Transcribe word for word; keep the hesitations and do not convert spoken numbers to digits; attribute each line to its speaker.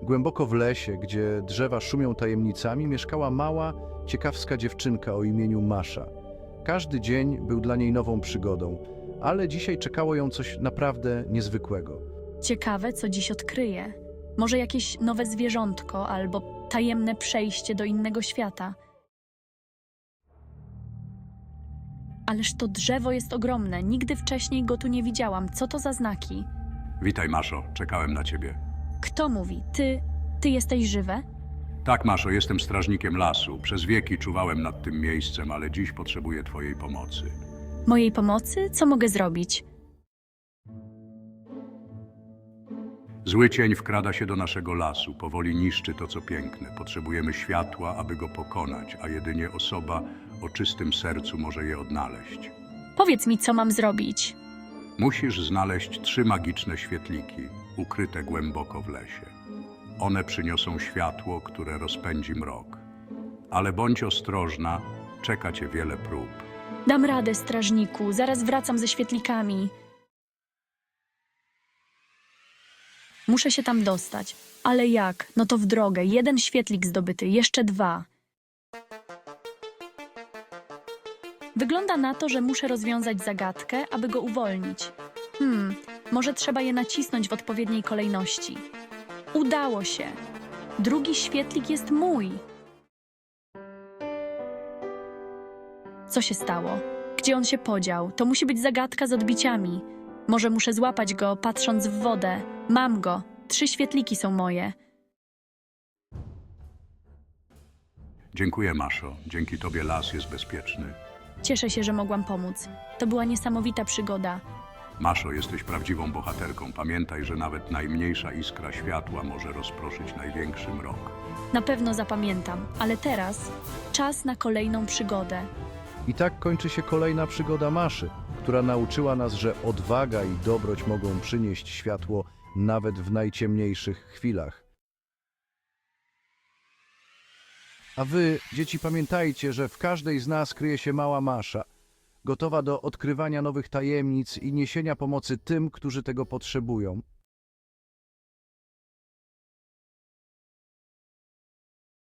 Speaker 1: Głęboko w lesie, gdzie drzewa szumią tajemnicami, mieszkała mała, ciekawska dziewczynka o imieniu Masza. Każdy dzień był dla niej nową przygodą, ale dzisiaj czekało ją coś naprawdę niezwykłego.
Speaker 2: Ciekawe, co dziś odkryję. Może jakieś nowe zwierzątko albo tajemne przejście do innego świata. Ależ to drzewo jest ogromne. Nigdy wcześniej go tu nie widziałam. Co to za znaki?
Speaker 3: Witaj, Maszo, czekałem na ciebie.
Speaker 2: Kto mówi? Ty? Ty jesteś żywe?
Speaker 3: Tak, Maszo, jestem strażnikiem lasu. Przez wieki czuwałem nad tym miejscem, ale dziś potrzebuję twojej pomocy.
Speaker 2: Mojej pomocy? Co mogę zrobić?
Speaker 3: Zły cień wkrada się do naszego lasu, powoli niszczy to, co piękne. Potrzebujemy światła, aby go pokonać, a jedynie osoba o czystym sercu może je odnaleźć.
Speaker 2: Powiedz mi, co mam zrobić.
Speaker 3: Musisz znaleźć trzy magiczne świetliki, ukryte głęboko w lesie. One przyniosą światło, które rozpędzi mrok. Ale bądź ostrożna, czeka cię wiele prób.
Speaker 2: Dam radę, strażniku. Zaraz wracam ze świetlikami. Muszę się tam dostać. Ale jak? No to w drogę. Jeden świetlik zdobyty, jeszcze dwa. Wygląda na to, że muszę rozwiązać zagadkę, aby go uwolnić. Hmm, może trzeba je nacisnąć w odpowiedniej kolejności. Udało się. Drugi świetlik jest mój. Co się stało? Gdzie on się podział? To musi być zagadka z odbiciami. Może muszę złapać go, patrząc w wodę. Mam go. Trzy świetliki są moje.
Speaker 3: Dziękuję, Maszo. Dzięki tobie las jest bezpieczny.
Speaker 2: Cieszę się, że mogłam pomóc. To była niesamowita przygoda.
Speaker 3: Maszo, jesteś prawdziwą bohaterką. Pamiętaj, że nawet najmniejsza iskra światła może rozproszyć największy mrok.
Speaker 2: Na pewno zapamiętam, ale teraz czas na kolejną przygodę.
Speaker 1: I tak kończy się kolejna przygoda Maszy, która nauczyła nas, że odwaga i dobroć mogą przynieść światło nawet w najciemniejszych chwilach. A wy, dzieci, pamiętajcie, że w każdej z nas kryje się mała Masza, gotowa do odkrywania nowych tajemnic i niesienia pomocy tym, którzy tego potrzebują.